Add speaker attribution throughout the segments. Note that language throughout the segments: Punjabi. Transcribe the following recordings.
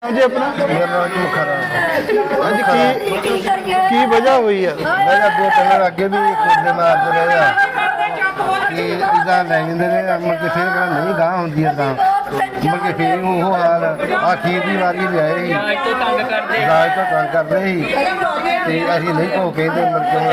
Speaker 1: जी अपना अज की वजह हुई है?
Speaker 2: वजह दो कलर अगे भी कूदे मारते रहे कि इदा लै जाते हैं मुड़ के फिर नहीं गाह होंगी गाह मुड़ के फिर वो हाल आखिर की बारी लियाए दाज तो तंग कर रहे ही असी नहीं भो कहते मुड़ के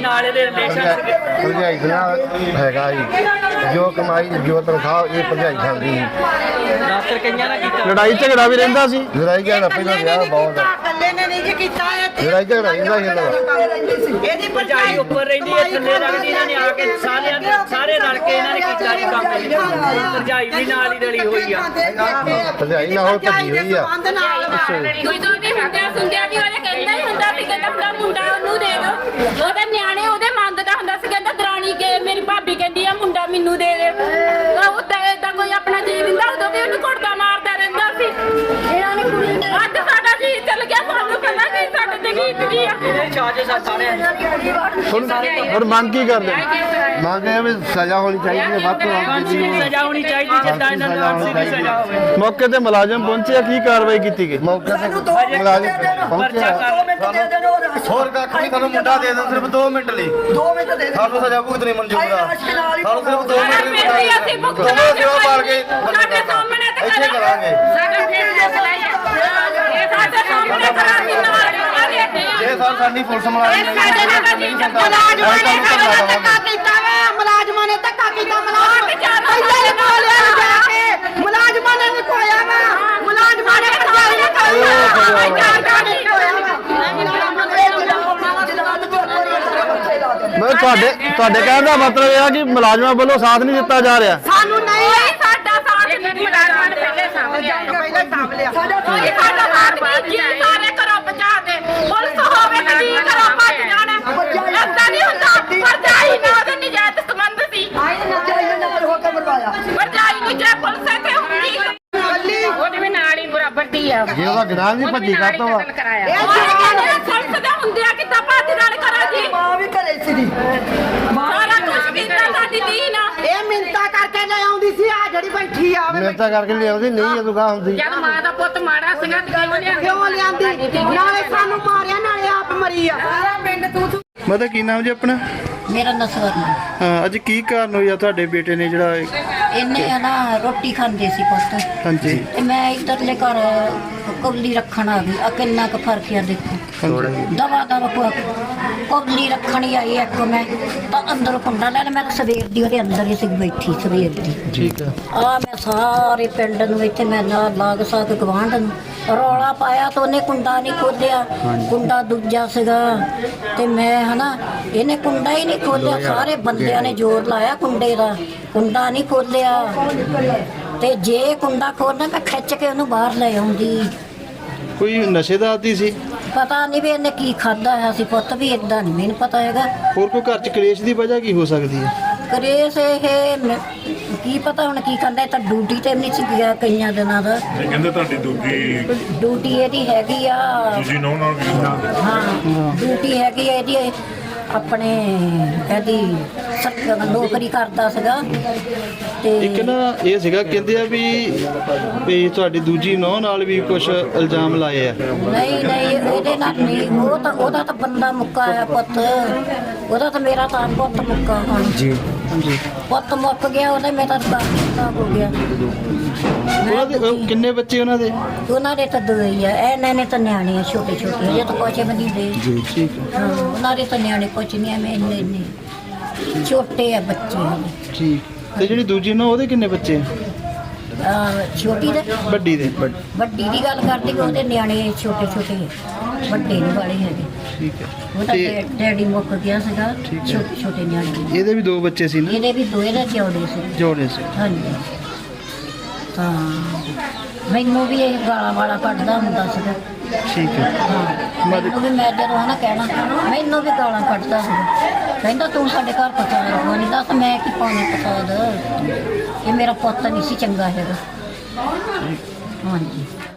Speaker 2: भरजाई हैगा ही जो कमाई जो तनख्वाह ये भरजाई खाती ही
Speaker 1: लड़ाई झगड़ा भी रहिंदा सी
Speaker 2: लड़ाई झगड़ा पहला विआह बहुत लड़ाई झगड़ा रहिंदा ही
Speaker 3: ਇਹਦੀ ਭਰਜਾਈ ਉੱਪਰ ਰਹਿੰਦੀ ਹੈ ਥੱਲੇ ਰੱਖਦੀ ਇਹਨਾਂ ਨੇ ਆ ਕੇ ਸਾਰੇ ਰਲ ਕੇ ਇਹਨਾਂ ਨੇ ਕੀਤਾ ਜੀ ਕੰਮ ਭਰਜਾਈ ਵੀ ਨਾਲ ਹੀ ਰਲੀ ਹੋਈ ਆ
Speaker 2: ਭਰਜਾਈ ਨਾਲ ਭੱਜੀ ਹੋਈ ਆ
Speaker 4: ਕੋਈ ਤੋਂ ਨਹੀਂ ਹੁੰਦਿਆ ਸੁੰਦਿਆ ਵੀ ਉਹਨੇ ਕਹਿੰਦਾ ਹੀ ਹੁੰਦਾ ਸੀ ਕਹਿੰਦਾ ਆਪਣਾ ਮੁੰਡਾ ਉਹਨੂੰ ਦੇ ਦੋ ਉਹਦੇ ਨਿਆਣੇ ਉਹਦੇ ਮੰਗਦਾ ਹੁੰਦਾ ਸੀ ਕਹਿੰਦਾ ਦਰਾਣੀ ਕੇ ਮੇਰੀ ਭਾਬੀ ਕਹਿੰਦੀ ਆ ਮੁੰਡਾ ਮੈਨੂੰ ਦੇ ਦੇ ਉਹ ਤਾਂ ਕੋਈ ਆਪਣਾ ਜੀ ਦਿੰਦਾ ਉਦੋਂ ਵੀ ਉਹਨੂੰ ਘੁੱਟਦਾ ਮਾਰਦਾ ਰਹਿੰਦਾ ਸੀ ਇਹਨਾਂ ਨੇ ਕੁੜੀ ਅੱਜ ਸਾਡਾ ਜੀ ਚੱਲ ਗਿਆ ਸਾਨੂੰ ਪਤਾ ਨਹੀਂ ਸਾਡੇ ਤੇ ਕੀ ਕੀ ਆ
Speaker 3: ਇਹਦੇ ਚਾਰਜਸ ਆ ਸਾਰੇ
Speaker 1: और मांग की कर दे
Speaker 2: मांगे भी सजा होनी चाहिए ਵੱਧ ਤੋਂ ਵੱਧ
Speaker 3: ਸਜ਼ਾ ਹੋਣੀ ਚਾਹੀਦੀ ਜਿੱਦਾਂ ਇਹਨਾਂ ਨੂੰ ਫਾਂਸੀ ਦੀ ਸਜ਼ਾ ਹੋਵੇ
Speaker 1: मौके ते मुलाजम पहुंचे की कार्रवाई की गई?
Speaker 2: ਮੌਕੇ ਤੇ ਮੁਲਾਜ਼ਮ ਪਹੁੰਚਿਆ ਹੋਰ ਕੱਖ ਨਹੀਂ ਤੁਹਾਨੂੰ ਮੁੰਡਾ ਦੇ ਦਿਓ ਸਿਰਫ 2 ਮਿੰਟ ਲਈ 2 ਮਿੰਟ ਦੇ ਸਾਨੂੰ ਸਜ਼ਾ ਭੁਗਤਣੀ ਮਨਜ਼ੂਰ ਆ ਸਾਨੂੰ ਸਿਰਫ 2 ਮਿੰਟ ਲਈ ਪਾਲ ਕੇ
Speaker 4: ਸਾਡੇ ਸਾਹਮਣੇ ਤੇ
Speaker 2: ਇੱਥੇ ਕਰਾਂਗੇ
Speaker 4: ਸਾਡਾ ਫੇਰ ਫੈਸਲਾ ਇਹ ਸਾਡੇ ਸਾਹਮਣੇ ਕਰਾਂਗੇ ਨਾਲ
Speaker 2: ਜੇ ਸਾਡੀ ਪੁਲਿਸ ਮੁਲਾਜ਼ਮ
Speaker 4: ਸਾਡੇ ਨਾਲ ਜੀ
Speaker 5: ਮੁਲਾਜ਼ਮਾਂ ਨੇ ਧੱਕਾ ਕੀਤਾ ਮੁਲਾਜ਼ਮਾਂ ਨੇ ਕੋਲਿਆ ਜਾ ਕੇ ਮੁਲਾਜ਼ਮਾਂ ਨੇ ਕੋਇਆ ਵਾ ਮੁਲਾਜ਼ਮਾਂ ਨੇ ਭਜਾਈ ਨੇ ਕੋਇਆ
Speaker 1: मैं ਤੁਹਾਡੇ ਕਹਿਣ ਦਾ ਮਤਲਬ ਇਹ ਆ ਕਿ ਮੁਲਾਜ਼ਮਾਂ ਵੱਲੋਂ ਸਾਥ ਨਹੀਂ ਦਿੱਤਾ ਜਾ ਰਿਹਾ
Speaker 5: ਸਾਨੂੰ ਨਹੀਂ
Speaker 4: ਸਾਡਾ ਸਾਥ ਨਹੀਂ ਮੁਲਾਜ਼ਮਾਂ ਨੇ ਪਹਿਲੇ ਸਾਹਮਣੇ ਸਾਡਾ ਸਾਥ ਨਹੀਂ ਸਾਰੇ ਘਰੋਂ ਬਚਾ ਦੇ ਪੁਲਿਸ ਹੋਵੇ ਤੇ ਜੀ ਘਰੋਂ ਭੱਜ ਜਾਣਾ ਏਦਾਂ ਨਹੀਂ ਹੁੰਦਾ ਭਰਜਾਈ ਨਾਲ ਉਹਦੇ ਨਜਾਇਜ਼ ਸੰਬੰਧ ਸੀ ਭਰਜਾਈ ਨੂੰ ਜੇ ਪੁਲਿਸ ਇੱਥੇ ਹੁੰਦੀ ਉਹਦੇ ਵੀ ਨਾਲ ਹੀ ਬਰਾਬਰ ਦੀ ਆ
Speaker 2: ਜੇ ਉਹਦਾ ਗਨਾਹ ਨਹੀਂ ਭੱਜੀ ਕਰਤਾ ਵਾ
Speaker 4: ਪੁਲਿਸ ਦਾ ਹੁੰਦੇ ਆ ਕਿੱਦਾਂ ਭੱਜ ਨਾਲ ਕਰਾਂ ਜੀ
Speaker 5: ਮਾਂ ਵੀ ਘਰੇ ਸੀ
Speaker 4: ਸਾਰਾ ਕੁਝ ਕੀਤਾ ਸਾਡੀ ਦੀਨ ਆ
Speaker 5: ਇਹ ਮਿੰਤਾ ਕਰਕੇ ਲੈ ਆਉਂਦੀ ਸੀ ਆ ਜਿਹੜੀ ਬੈਠੀ ਆ
Speaker 2: ਮਿਹਨਤਾਂ ਕਰਕੇ ਲਿਆਉਂਦੀ ਨਹੀਂ ਜਦੋਂ ਗਾਹ ਹੁੰਦੀ
Speaker 4: ਜਦ ਮਾਂ ਦਾ ਪੁੱਤ ਮਾੜਾ ਸੀਗਾ ਤੇ
Speaker 5: ਕਿਉਂ ਲਿਆਂਦੀ ਨਾਲੇ ਸਾਨੂੰ ਮਾਰਿਆ ਨਾਲੇ ਆਪ ਮਰੀ ਆ ਸਾਰਾ ਪਿੰਡ ਤੂੰ
Speaker 1: ਮਤਲਬ ਕੀ ਨਾਮ ਜੀ ਆਪਣਾ?
Speaker 6: ਮੇਰਾ ਨਸਵਰਨ
Speaker 1: ਹਾਂ ਅੱਜ ਕੀ ਕਾਰਨ ਹੋਇਆ ਤੁਹਾਡੇ ਬੇਟੇ ਨੇ ਜਿਹੜਾ
Speaker 6: ਇਹਨੇ ਨਾ ਰੋਟੀ ਖਾਂਦੇ ਸੀ ਪੁੱਤ
Speaker 1: ਹਾਂਜੀ
Speaker 6: ਤੇ ਮੈਂ ਇੱਧਰਲੇ ਘਰ ਕਬਲੀ ਰੱਖਣ ਆ ਗਈ ਆ ਕਿੰਨਾ ਕੁ ਫਰਕ ਆ ਦੇਖੋ ਦਵਾ ਕਬਲੀ ਰੱਖਣ ਹੀ ਆਈ ਇੱਕ ਮੈਂ ਤਾਂ ਅੰਦਰ ਕੁੰਡਾ ਲੈ ਮੈਂ ਸਵੇਰ ਦੀ ਉਹਦੇ ਅੰਦਰ ਹੀ ਸੀ ਬੈਠੀ ਸਵੇਰ ਦੀ
Speaker 1: ਠੀਕ ਆ
Speaker 6: ਮੈਂ ਸਾਰੇ ਪਿੰਡ ਨੂੰ ਇੱਥੇ ਮੈਂ ਲਾਗ ਸਾਗ ਗਵਾਂਢ ਨੂੰ ਰੌਲਾ ਪਾਇਆ ਤਾਂ ਉਹਨੇ ਕੁੰਡਾ ਨਹੀਂ ਖੋਲਿਆ ਕੁੰਡਾ ਦੂਜਾ ਸੀਗਾ ਤੇ ਮੈਂ ਹਨਾ ਇਹਨੇ ਕੁੰਡਾ ਹੀ ਨਹੀਂ ਖੋਲਿਆ ਸਾਰੇ ਬੰਦਿਆਂ ਨੇ ਜ਼ੋਰ ਲਾਇਆ ਕੁੰਡੇ ਦਾ ਕੁੰਡਾ ਨਹੀਂ ਖੋਲਿਆ ਤੇ ਜੇ ਕੁੰਡਾ ਖੋਲਣਾ ਮੈਂ ਖਿੱਚ ਕੇ ਉਹਨੂੰ ਬਾਹਰ ਲੈ ਆਉਂਦੀ
Speaker 1: ਕੋਈ ਨਸ਼ੇ ਦਾ ਆਦੀ ਸੀ
Speaker 6: ਪਤਾ ਨਹੀਂ ਵੀ ਇਹਨੇ ਕੀ ਖਾਦਾ ਹੈ ਸੀ ਪੁੱਤ ਵੀ ਇਦਾਂ ਨਹੀਂ ਮੈਨੂੰ ਪਤਾ ਹੈਗਾ
Speaker 1: ਹੋਰ ਕੋਈ ਘਰ ਚ ਕਲੇਸ਼ ਦੀ ਵਜ੍ਹਾ ਕੀ ਹੋ ਸਕਦੀ ਹੈ
Speaker 6: ਕ੍ਰੇਸ ਇਹ ਕੀ ਪਤਾ ਹੁਣ ਕੀ ਕਰਦਾ ਤਾਂ ਡਿਊਟੀ ਤੇ ਨਹੀਂ ਸੀ ਗਿਆ ਕਈਆਂ ਦਿਨਾਂ ਦਾ
Speaker 7: ਕਹਿੰਦੇ ਤੁਹਾਡੀ
Speaker 6: ਡਿਊਟੀ ਇਹਦੀ ਹੈਗੀ ਆ
Speaker 7: ਤੁਸੀਂ ਨੌ ਨਾਲ
Speaker 6: ਹਾਂ ਡਿਊਟੀ ਹੈਗੀ ਆ ਇਹਦੀ ਆਪਣੇ ਇਹਦੀ ਨੌਕਰੀ ਕਰਦਾ ਸੀਗਾ ਤੇ
Speaker 1: ਇੱਕ ਨਾ ਇਹ ਸੀਗਾ ਕਹਿੰਦੇ ਆ ਵੀ ਤੁਹਾਡੀ ਦੂਜੀ ਨੌਂ ਨਾਲ ਵੀ ਕੁਝ ਇਲਜ਼ਾਮ ਲਾਏ ਆ
Speaker 6: ਨਹੀਂ ਇਹਦੇ ਨਾਲ ਨਹੀਂ ਉਹਦਾ ਤਾਂ ਬੰਦਾ ਮੁੱਕਾ ਆ ਪੁੱਤ ਉਹਦਾ ਤਾਂ ਮੇਰਾ ਤਾਂ ਪੁੱਤ ਮੁੱਕਾ ਹੁਣ
Speaker 1: ਜੀ ਹਾਂਜੀ
Speaker 6: ਪੁੱਤ ਮੁੱਕ ਗਿਆ ਉਹਦਾ ਮੇਰਾ ਤਾਂ ਹੋ ਗਿਆ
Speaker 1: ਉਹਨਾਂ ਦੇ ਕਿੰਨੇ ਬੱਚੇ ਉਹਨਾਂ ਦੇ
Speaker 6: ਤਾਂ ਦੋ ਹੀ ਆ ਇਹਨਾਂ ਨੇ ਤਾਂ ਨਿਆਣੇ ਆ ਛੋਟੇ ਛੋਟੇ ਜੇ ਤਾਂ ਕੁਛ ਵੀ ਨਹੀਂ ਦੇ
Speaker 1: ਜੀ ਠੀਕ ਹੈ
Speaker 6: ਉਹਨਾਂ ਦੇ ਤਾਂ ਨਿਆਣੇ ਕੁਛ ਨਹੀਂ ਆ ਮੈਂ ਇੰਨੇ ਛੋਟੇ ਆ ਬੱਚੇ ਹਲੇ
Speaker 1: ਠੀਕ ਤੇ ਜਿਹੜੀ ਦੂਜੀ ਨੌਂ ਉਹਦੇ ਕਿੰਨੇ ਬੱਚੇ
Speaker 6: ਛੋਟੀ ਦੇ
Speaker 1: ਵੱਡੀ ਦੇ
Speaker 6: ਵੱਡੀ ਦੀ ਗੱਲ ਕਰਦੀ ਕਿ ਉਹਦੇ ਨਿਆਣੇ ਛੋਟੇ ਛੋਟੇ ਵੱਡੇ ਨਹੀਂ ਵਾਲੇ ਹੈਗੇ
Speaker 1: ਠੀਕ ਹੈ
Speaker 6: ਉਹਦਾ ਡੈਡੀ ਮੁੱਕ ਗਿਆ ਸੀਗਾ ਛੋਟੇ ਛੋਟੇ ਨਿਆਣੇ
Speaker 1: ਇਹਦੇ ਵੀ 2 ਬੱਚੇ ਸੀ ਨਾ
Speaker 6: ਇਹਦੇ ਵੀ ਦੋਏ ਦਾ ਜੋੜੇ ਸੀ
Speaker 1: ਜੋੜੇ ਸੀ
Speaker 6: ਹਾਂਜੀ ਤਾਂ ਮੈਨੂੰ ਵੀ ਇਹ ਗਾਲਾਂ ਵਾਲਾ ਕੱਢਦਾ ਹੁੰਦਾ ਸੀਗਾ
Speaker 1: ਠੀਕ ਹੈ
Speaker 6: ਮੈਨੂੰ ਵੀ ਮੈਂ ਜਦੋਂ ਹਨਾ ਕਹਿਣਾ ਮੈਨੂੰ ਵੀ ਗਾਲਾਂ ਕੱਢਦਾ ਸੀਗਾ ਕਹਿੰਦਾ ਤੂੰ ਸਾਡੇ ਘਰ ਪਤਾ ਨਹੀਂ ਦੱਸ ਮੈਂ ਕੀ ਪਾਉਣੀ ਪਤਾ ਇਹ ਮੇਰਾ ਪੁੱਤ ਨਹੀਂ ਸੀ ਚੰਗਾ ਹੈਗਾ ਹਾਂਜੀ